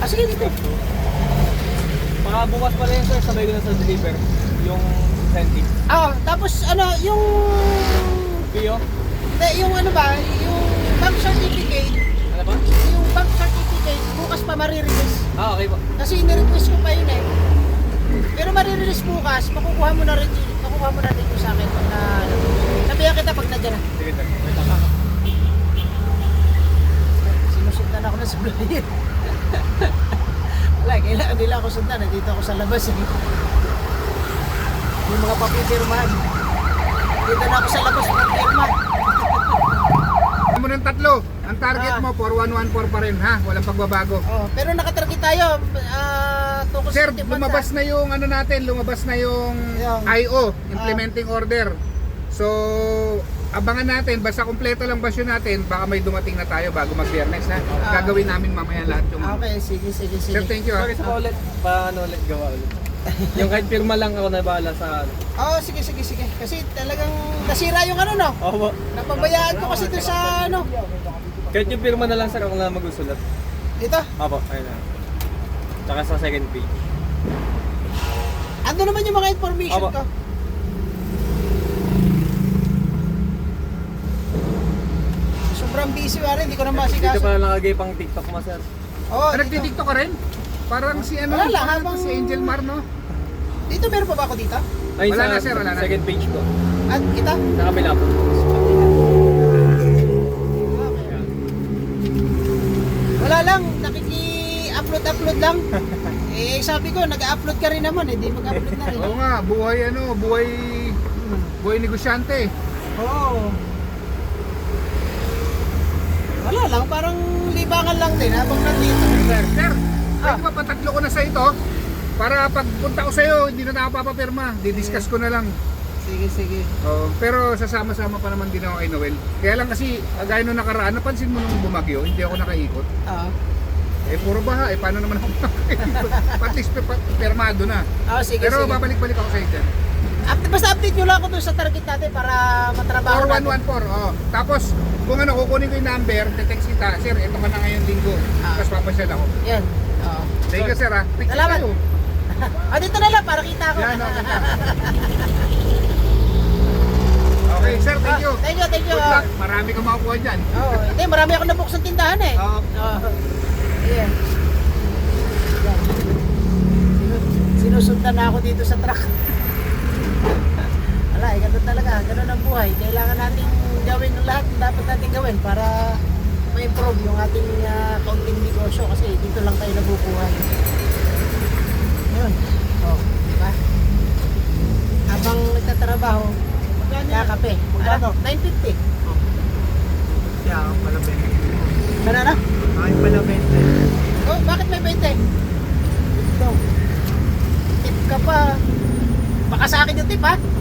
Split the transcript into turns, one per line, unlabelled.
Ah, sige dito.
Baka bukas pala yun sir, sabay ko na sa deliver. Yung incentive.
Ah, tapos ano, yung...
Pio?
Hindi, yung ano ba, yung bank certificate,
Ano ba?
yung bank certificate, bukas pa marirelease.
Ah, okay po.
Kasi nirequest ko pa yun eh. Pero marirelease bukas, makukuha mo na rin yung sa akin pag na... Sabihan kita pag nandiyan na.
Sige sir. Wait lang.
Sinusundan ako ng supplier. Wala, kailangan nila ako sundan. Nandito ako sa labas eh. Yung mga papipirmahan. Dito na ako sa labas papipirma.
Mo ng tatlo. Ang target mo 4114 pa rin ha, walang pagbabago.
Oh, pero nakatarget tayo. Tungkol
Sir,
sa
lumabas na yung ano natin, lumabas na yung
Yung-
IO, implementing order. So, abangan natin, basta kumpleto lang basyo natin, baka may dumating na tayo bago mag-Biyernes ha. Gagawin namin mamaya lahat yung...
Okay, sige.
Sir, thank you ha.
Sorry sa paulit. Paano ulit gawa ulit? Yung kahit pirma lang ako na bahala sa ano.
Oh, sige. Kasi talagang nasira yung ano no.
Opo.
Napabayaan ko kasi doon sa ano.
Kahit yung pirma na lang sir, ako na magusulat.
Dito.
Opo, ayun na. Tsaka sa second page.
Ando naman yung mga information
Opo.
ko. Sobrang busy pa rin, hindi ko na
Dito
masikaso.
pala nakagay pang TikTok mo sir.
Oh, dito.
Nagdidikto ka rin? Parang si ano,
Wala lang,
parang
habang-
si Angel Mar no?
Dito meron pa ba ako dito?
Ay,
Wala
sa
na, sir, wala na.
second page ko.
At kita?
Sa kabila po.
Wala lang, nakiki-upload lang. Eh sabi ko, nag-upload ka rin naman, hindi mag-upload na rin.
Oo nga, buhay negosyante.
Oo. Wala lang, parang libangan lang din habang nandito.
Sir, pwede ba patatlo ko na sa ito? Para pagpunta ko sa'yo, hindi na ako papapirma. Didiscuss ko na lang.
Sige.
Pero sasama-sama pa naman din ako kay Noel. Kaya lang kasi, gaya nung nakaraan, napansin mo nung bumagyo, hindi ako nakaikot.
Oo.
Eh, puro baha. Paano naman ako nakaikot? At least pirmado na.
Sige.
Pero babalik-balik ako sa'yo dyan.
Basta update nyo lang ako dun sa target natin para matrabaho natin.
4114, Tapos, kung ano, kukunin ko yung number, text kita, sir, ito ka na ngayong linggo. Tapos papasyal ako.
Yan. Oo.
Thank you, sir, ha. Picture
Salamat.
tayo.
Dito na lang para kita ko.
Yan, okay na. Okay, sir, thank you.
Thank you.
Good luck. Marami kang makukuha dyan.
Hindi, marami akong nabuksan tindahan eh.
Oo.
Yeah. Sinusundan na ako dito sa truck. Wala, ganun talaga. Ganun ang buhay. Kailangan natin gawin ang lahat na dapat natin gawin para ma-improve yung ating kaunting negosyo kasi dito lang tayo nabubuhay. Yun. Diba? Habang nagtatrabaho, kakape.
Magkano?
950.
Kaya ako pala 20.
Ano na?
Ay, pala 20.
Oh, bakit may 20? Ito. Tip ka pa. Baka sa akin yung tip ha?